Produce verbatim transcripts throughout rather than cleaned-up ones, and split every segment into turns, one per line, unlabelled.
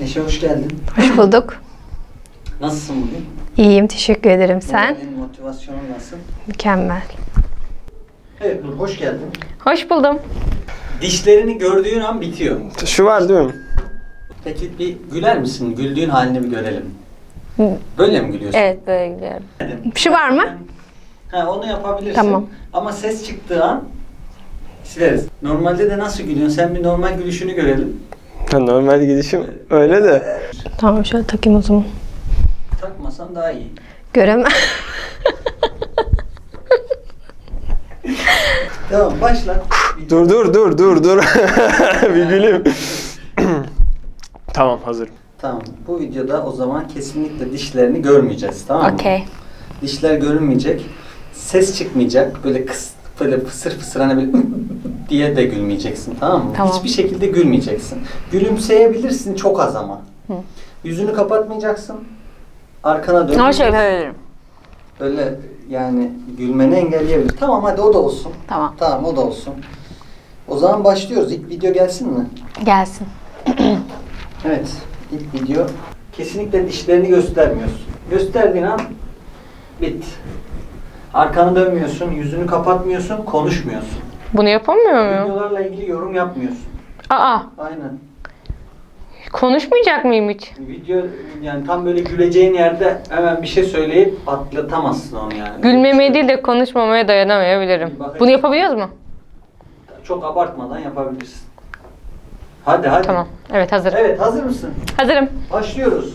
Neşe hoş geldin.
Hoş bulduk.
Nasılsın bugün?
İyiyim, teşekkür ederim. Sen?
Senin motivasyonun nasıl?
Mükemmel.
Evet Nur, hoş geldin.
Hoş buldum.
Dişlerini gördüğün an bitiyor.
Şu var değil mi?
Peki bir güler misin? Güldüğün halini bir görelim. Böyle mi gülüyorsun?
Evet, böyle gidiyorum. Şu var mı?
Ha, onu yapabilirsin.
Tamam.
Ama ses çıktığı an sileriz. Normalde de nasıl gülüyorsun? Sen bir normal gülüşünü görelim.
Ha, normal gidişim öyle de.
Tamam, şöyle takayım o zaman.
Takmasan daha iyi.
Göremem.
Tamam, başla.
Dur dur dur dur dur. Bir güleyim. Tamam, hazırım.
Tamam. Bu videoda o zaman kesinlikle dişlerini görmeyeceğiz. Tamam mı?
Okey.
Dişler görünmeyecek. Ses çıkmayacak. Böyle kıs, böyle fısır fısır hani böyle diye de gülmeyeceksin. Tamam mı?
Tamam.
Hiçbir şekilde gülmeyeceksin. Gülümseyebilirsin çok az ama.
Hı.
Yüzünü kapatmayacaksın. Arkana dön.
Ama şöyle yapabilirim.
Böyle yani gülmeni engelleyebilir. Tamam, hadi o da olsun.
Tamam.
Tamam, o da olsun. O zaman başlıyoruz. İlk video gelsin mi?
Gelsin.
Evet. İlk video. Kesinlikle dişlerini göstermiyorsun. Gösterdiğin an bit. Arkanı dönmüyorsun, yüzünü kapatmıyorsun, konuşmuyorsun.
Bunu yapamıyor muyum?
Videolarla ilgili yorum yapmıyorsun.
Aa,
Aynen.
konuşmayacak mıyım hiç?
Video yani tam böyle güleceğin yerde hemen bir şey söyleyip atlatamazsın onu yani.
Gülmemeye değil de konuşmamaya dayanamayabilirim. Bunu yapabiliyoruz mu?
Çok abartmadan yapabilirsin. Hadi hadi.
Tamam. Evet, hazırım.
Evet, hazır mısın?
Hazırım.
Başlıyoruz.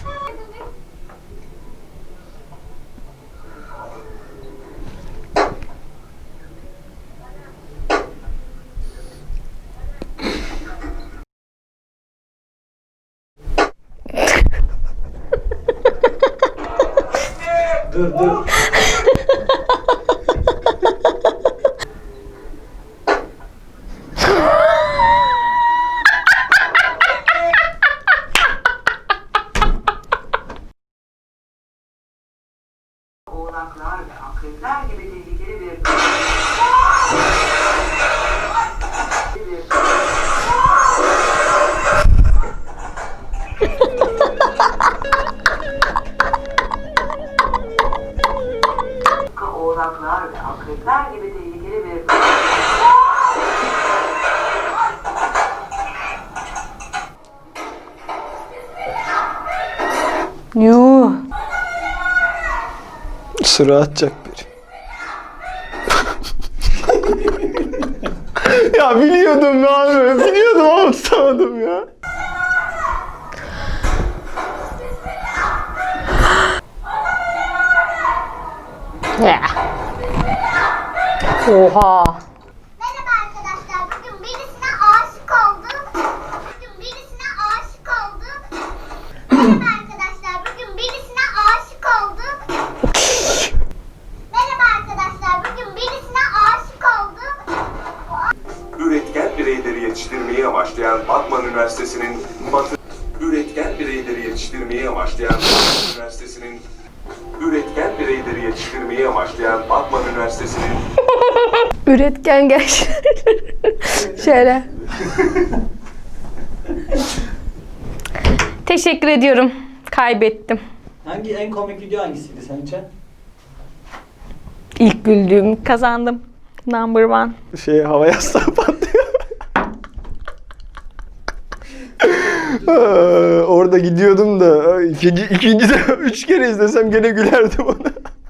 Dur dur.
Oğlaklar ve akrepler gibi tehlikeli bir Oğlaklar ve akrepler gibi tehlikeli bir
Yuh.
Sıra atacak biri. Ya biliyordum ya abi. Biliyordum ama tutamadım ya.
Ya. Oha.
Merhaba arkadaşlar. Bugün birisine aşık oldum. Bugün birisine aşık oldum. Merhaba arkadaşlar. Bugün birisine aşık oldum. Merhaba arkadaşlar. Bugün birisine aşık oldum.
Üretken bireyleri yetiştirmeyi amaçlayan Batman Üniversitesi'nin Batı Üretken bireyleri yetiştirmeyi amaçlayan Batman Üniversitesi'nin Üretken bireyleri yetiştirmeyi amaçlayan Batman Üniversitesi'nin
Üretken gençler. Şöyle. Teşekkür ediyorum. Kaybettim.
Hangi en komik video hangisiydi sence?
İlk güldüğüm kazandım. Number one.
Şey, hava yastığı patlıyor. Aa, orada gidiyordum da ikinci, ikinci de üç kere izlesem gene gülerdim ona.